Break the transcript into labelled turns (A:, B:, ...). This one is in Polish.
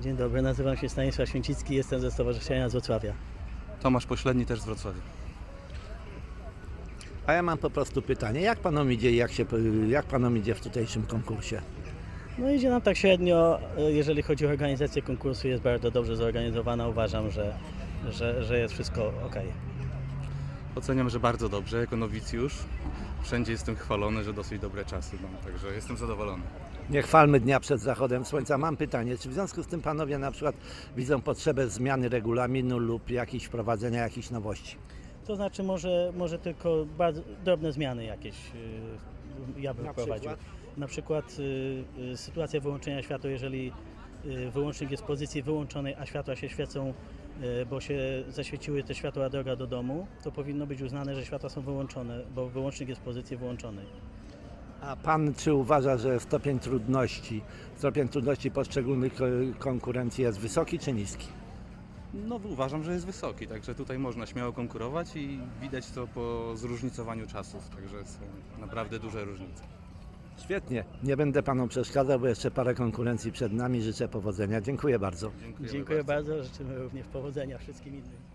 A: Dzień dobry, nazywam się Stanisław Święcicki, jestem ze Stowarzyszenia z Wrocławia.
B: Tomasz Pośledni, też z Wrocławia.
C: A ja mam po prostu pytanie, jak panom idzie i jak panom idzie w tutejszym konkursie?
A: No idzie nam tak średnio, jeżeli chodzi o organizację konkursu, jest bardzo dobrze zorganizowana, uważam, że jest wszystko ok.
B: Oceniam, że bardzo dobrze, jako nowicjusz. Wszędzie jestem chwalony, że dosyć dobre czasy mam, także jestem zadowolony.
C: Nie chwalmy dnia przed zachodem słońca. Mam pytanie, czy w związku z tym panowie na przykład widzą potrzebę zmiany regulaminu lub wprowadzenia jakichś nowości?
A: To znaczy może tylko bardzo drobne zmiany jakieś ja bym
C: Na
A: wprowadził.
C: przykład?
A: Na przykład sytuacja wyłączenia światła, jeżeli wyłącznik jest w pozycji wyłączonej, a światła się świecą, bo się zaświeciły te światła droga do domu, to powinno być uznane, że światła są wyłączone, bo wyłącznik jest w pozycji wyłączonej.
C: A pan czy uważa, że stopień trudności poszczególnych konkurencji jest wysoki czy niski?
B: No uważam, że jest wysoki, także tutaj można śmiało konkurować i widać to po zróżnicowaniu czasów, także są naprawdę duże różnice.
C: Świetnie, nie będę panom przeszkadzał, bo jeszcze parę konkurencji przed nami. Życzę powodzenia. Dziękuję bardzo.
A: Dziękuję bardzo, życzymy również powodzenia wszystkim innym.